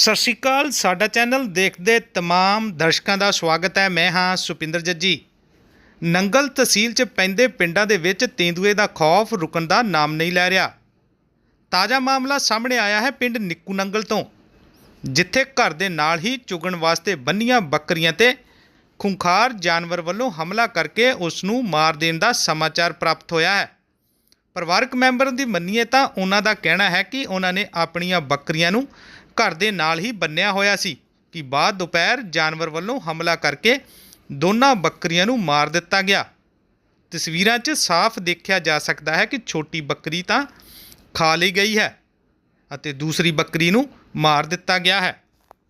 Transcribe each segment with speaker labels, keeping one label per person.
Speaker 1: ਸਤਿ ਸ਼੍ਰੀ ਅਕਾਲ। ਸਾਡਾ ਚੈਨਲ ਦੇਖਦੇ तमाम ਦਰਸ਼ਕਾਂ ਦਾ ਸਵਾਗਤ ਹੈ। ਮੈਂ ਹਾਂ ਸੁਪਿੰਦਰ ਜੱਜੀ। ਨੰਗਲ ਤਹਿਸੀਲ 'ਚ ਪੈਂਦੇ ਪਿੰਡਾਂ ਦੇ ਵਿੱਚ ਤੇਂਦੂਏ ਦਾ ਖੌਫ ਰੁਕਣ ਦਾ ਨਾਮ ਨਹੀਂ ਲੈ ਰਿਹਾ। ਤਾਜ਼ਾ ਮਾਮਲਾ ਸਾਹਮਣੇ ਆਇਆ ਹੈ ਪਿੰਡ ਨਿੱਕੂ ਨੰਗਲ ਤੋਂ, ਜਿੱਥੇ ਘਰ ਦੇ ਨਾਲ ਹੀ ਚੁਗਣ ਵਾਸਤੇ ਬੰਨੀਆਂ ਬੱਕਰੀਆਂ ਤੇ ਖੁੰਖਾਰ ਜਾਨਵਰ ਵੱਲੋਂ ਹਮਲਾ ਕਰਕੇ ਉਸ ਨੂੰ ਮਾਰ ਦੇਣ ਦਾ ਸਮਾਚਾਰ ਪ੍ਰਾਪਤ ਹੋਇਆ ਹੈ। ਪਰਿਵਾਰਕ ਮੈਂਬਰਾਂ ਦੀ ਮੰਨੀਏ ਤਾਂ ਉਹਨਾਂ ਦਾ ਕਹਿਣਾ ਹੈ ਕਿ ਉਹਨਾਂ ਨੇ ਆਪਣੀਆਂ ਬੱਕਰੀਆਂ ਨੂੰ ਘਰ ਦੇ ਨਾਲ ਹੀ ਬੰਨਿਆ ਹੋਇਆ ਸੀ ਕਿ ਬਾਅਦ ਦੁਪਹਿਰ ਜਾਨਵਰ ਵੱਲੋਂ ਹਮਲਾ ਕਰਕੇ ਦੋਨਾਂ ਬੱਕਰੀਆਂ ਨੂੰ ਮਾਰ ਦਿੱਤਾ ਗਿਆ। ਤਸਵੀਰਾਂ 'ਚ ਸਾਫ਼ ਦੇਖਿਆ ਜਾ ਸਕਦਾ ਹੈ ਕਿ ਛੋਟੀ ਬੱਕਰੀ ਤਾਂ ਖਾ ਲਈ ਗਈ ਹੈ ਅਤੇ ਦੂਸਰੀ ਬੱਕਰੀ ਨੂੰ ਮਾਰ ਦਿੱਤਾ ਗਿਆ ਹੈ।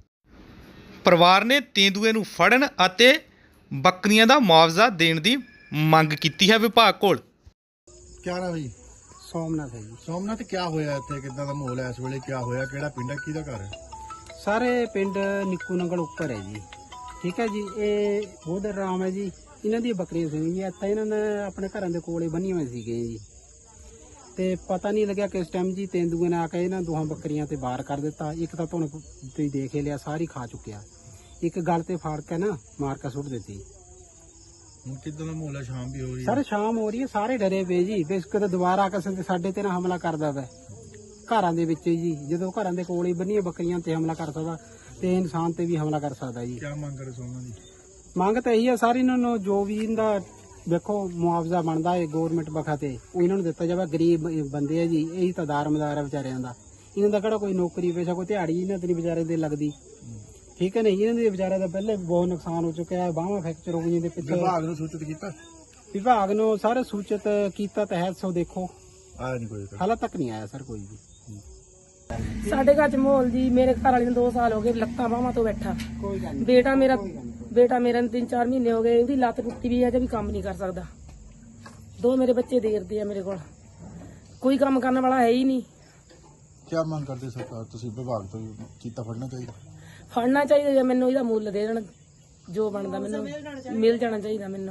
Speaker 1: ਪਰਿਵਾਰ ਨੇ ਤੇਂਦੂਏ ਨੂੰ ਫੜਨ ਅਤੇ ਬੱਕਰੀਆਂ ਦਾ ਮੁਆਵਜ਼ਾ ਦੇਣ ਦੀ ਮੰਗ ਕੀਤੀ ਹੈ ਵਿਭਾਗ ਕੋਲ।
Speaker 2: क्या नाम है जी?
Speaker 3: सोमनाथ है जी।
Speaker 2: सोमनाथ क्या होया इत्थे किद्दां दा माहौल है इस वेले? क्या होया? केड़ा पिंड है? किहदा घर है?
Speaker 3: सारे पिंड निक्कू नंगल उपर है जी। ठीक है जी। ये बोधर राम है जी। इन्हां दी बकरियां सी जी। इत्थे इन्हां ने अपने घरां दे कोले बन्नी होई सीगे जी ते पता नहीं लग्या किस टाइम जी तेंदुए ने आके इन्हां दोहां बकरियां ते बाहर कर दिता। एक तां तुहानूं तुसीं देख ही लिया, सारी खा चुक्या। एक गल ते फाड़ के ना मार के सुट दित्ती।
Speaker 2: ਹੁਣ ਕਿੱਦਾਂ ਦਾ ਮਾਹੌਲ ਹੈ? ਸ਼ਾਮ ਵੀ ਹੋ ਰਹੀ ਹੈ।
Speaker 3: सर शाम हो रही है, सारे डरे पे जी बेशक दोबारा ਕਿਸੇ ਦੇ ਸਾਡੇ ਤੇ ਨਾ ਹਮਲਾ ਕਰਦਾ ਵਾ ਘਰਾਂ ਦੇ ਵਿੱਚ ਜੀ। ਜਦੋਂ ਘਰਾਂ ਦੇ ਕੋਲ ਹੀ ਬੰਨੀਆਂ ਬੱਕਰੀਆਂ ਤੇ ਹਮਲਾ ਕਰ ਸਕਦਾ ਤੇ ਇਨਸਾਨ ਤੇ ਵੀ ਹਮਲਾ ਕਰ ਸਕਦਾ ਜੀ।
Speaker 2: ਕੀ ਮੰਗ ਕਰੇ ਸੋਮਨਾਥ ਜੀ?
Speaker 3: ਮੰਗ ਤਾਂ ਇਹੀ ਹੈ ਸਾਰੀ ਇਹਨਾਂ ਨੂੰ ਜੋ ਵੀ ਇਹਦਾ ਵੇਖੋ ਮੁਆਵਜ਼ਾ ਬਣਦਾ ਹੈ ਗੌਰਮੈਂਟ ਬਖਾ ਤੇ ਉਹ ਇਹਨਾਂ ਨੂੰ ਦਿੱਤਾ ਜਾਵੇ। ਗਰੀਬ ਬੰਦੇ ਆ ਜੀ, ਇਹੀ ਤਾਂ ਦਾਰਮਦਾਰ ਆ ਵਿਚਾਰਿਆਂ ਦਾ। ਇਹਨਾਂ ਦਾ ਕਿਹੜਾ ਕੋਈ ਨੌਕਰੀ ਪੇਸ਼ਾ ਕੋਈ ਦਿਹਾੜੀ ਇਹਨਾਂ ਤੇ ਨਹੀਂ ਵਿਚਾਰੇ ਦੇ ਲੱਗਦੀ। ਠੀਕ ਹੈ ਨਹੀਂ, ਇਹਨਾਂ ਦੇ ਵਿਚਾਰੇ ਦਾ ਪਹਿਲੇ ਬਹੁਤ ਨੁਕਸਾਨ ਹੋ ਚੁੱਕਿਆ ਹੈ। ਬਾਹਾਂ ਫ੍ਰੈਕਚਰ ਹੋ ਗਈਆਂ ਦੇ ਪਿੱਛੇ।
Speaker 2: ਵਿਭਾਗ ਨੂੰ ਸੂਚਿਤ ਕੀਤਾ?
Speaker 3: ਵਿਭਾਗ ਨੂੰ ਸਾਰੇ ਸੂਚਿਤ ਕੀਤਾ ਤਾਂ ਹੈ, ਸੋ ਦੇਖੋ
Speaker 2: ਆਇਆ ਨਹੀਂ ਕੋਈ?
Speaker 3: ਹਾਲੇ ਤੱਕ ਨਹੀਂ ਆਇਆ ਸਰ ਕੋਈ ਵੀ।
Speaker 4: ਸਾਡੇ ਘਰ ਚ ਮਾਹੌਲ ਜੀ, ਮੇਰੇ ਘਰ ਵਾਲੇ ਨੂੰ 2 ਸਾਲ ਹੋ ਗਏ ਲੱਤਾਂ ਬਾਹਾਂ ਤੋਂ ਬੈਠਾ।
Speaker 3: ਕੋਈ ਗੱਲ
Speaker 4: ਬੇਟਾ ਮੇਰਾ ਨੂੰ 3-4 ਮਹੀਨੇ ਹੋ ਗਏ, ਉਹਦੀ ਲੱਤ ਟੁੱਟੀ ਵੀ ਹੈ ਤੇ ਵੀ ਕੰਮ ਨਹੀਂ ਕਰ ਸਕਦਾ। 2 ਮੇਰੇ ਬੱਚੇ ਦੇਰਦੇ ਆ ਮੇਰੇ ਕੋਲ, ਕੋਈ ਕੰਮ ਕਰਨ ਵਾਲਾ ਹੈ ਹੀ ਨਹੀਂ।
Speaker 2: ਕੀ ਮੰਗ ਕਰਦੇ ਸਰਕਾਰ? ਤੁਸੀਂ ਵਿਭਾਗ ਤੋਂ ਕੀਤਾ ਫੜਨਾ ਚਾਹੀਦਾ?
Speaker 4: ਫੜਨਾ ਚਾਹੀਦਾ ਜਾਂ ਮੈਨੂੰ ਇਹਦਾ ਮੁੱਲ ਦੇ ਦੇਣ, ਜੋ ਬਣਦਾ ਮੈਨੂੰ ਮਿਲ ਜਾਣਾ ਚਾਹੀਦਾ ਮੈਨੂੰ।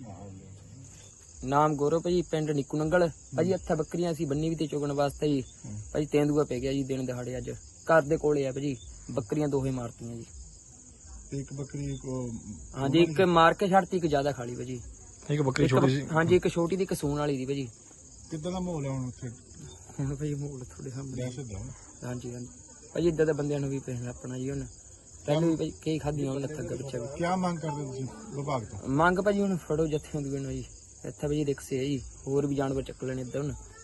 Speaker 5: ਨਾਮ ਗੌਰਵ ਭਾਜੀ, ਪਿੰਡ ਨਿੱਕੂ ਨੰਗਲ ਭਾਜੀ। ਇੱਥੇ ਬੱਕਰੀਆਂ ਸੀ ਬੰਨੀ ਵੀ ਤੇ ਚੁਗਣ ਵਾਸਤੇ ਜੀ ਭਾਜੀ। ਤੇਂਦੂਆ ਪੈ ਗਿਆ ਜੀ ਦਿਨ ਦਿਹਾੜੇ। ਅੱਜ ਘਰ ਦੇ ਕੋਲੇ ਆ ਭਾਜੀ, ਬੱਕਰੀਆਂ ਦੋਹੇ ਮਾਰਤੀਆਂ ਜੀ।
Speaker 2: ਤੇ ਇੱਕ ਬੱਕਰੀ ਕੋ
Speaker 5: ਹਾਂਜੀ, ਇੱਕ ਮਾਰ ਕੇ ਛੱਡਤੀ, ਇੱਕ ਜ਼ਿਆਦਾ ਖਾਲੀ ਭਾਜੀ।
Speaker 2: ਇੱਕ ਬੱਕਰੀ ਛੋਟੀ ਸੀ?
Speaker 5: ਹਾਂਜੀ, ਇੱਕ ਛੋਟੀ ਦੀ, ਇੱਕ ਸੂਣ ਵਾਲੀ ਦੀ ਭਾਜੀ।
Speaker 2: ਕਿੱਦਾਂ ਦਾ ਮਾਹੌਲ ਹੈ ਹੁਣ ਉੱਥੇ?
Speaker 5: ਹੁਣ ਭਾਜੀ ਮਾਹੌਲ ਥੋੜੇ ਸਾਹਮਣੇ।
Speaker 2: ਦਹਿਸ਼ਤ ਦਾ?
Speaker 5: ਹਾਂਜੀ ਹਾਂਜੀ ਭਾਜੀ, ਇੱਦਾਂ ਦੇ ਬੰਦਿਆਂ ਨੂੰ ਵੀ ਪੈਣਾ ਆਪਣਾ ਜੀ। ਹੁਣ ਪਹਿਲੇ ਵੀ ਭਾਜੀ ਕਈ ਖਾਧੀਆਂ ਉਹਨਾਂ ਤੱਕ ਪਿੱਛੇ ਵੀ।
Speaker 2: ਕੀ ਮੰਗ ਕਰਦੇ ਤੁਸੀਂ ਵਿਭਾਗ ਤੋਂ?
Speaker 5: ਮੰਗ ਭਾਜੀ ਹੁਣ ਫੜੋ ਜੱਥੇ ਹੁੰਦੀਆਂ ਨੂੰ ਜੀ। ਇੱਥੇ ਭਾਜੀ ਰਿਕਸ ਹੈ ਜੀ, ਹੋਰ ਵੀ ਜਾਨਵਰ ਚੱਕ ਲੈਣੇ ਇੱਦਾਂ ਹੁਣ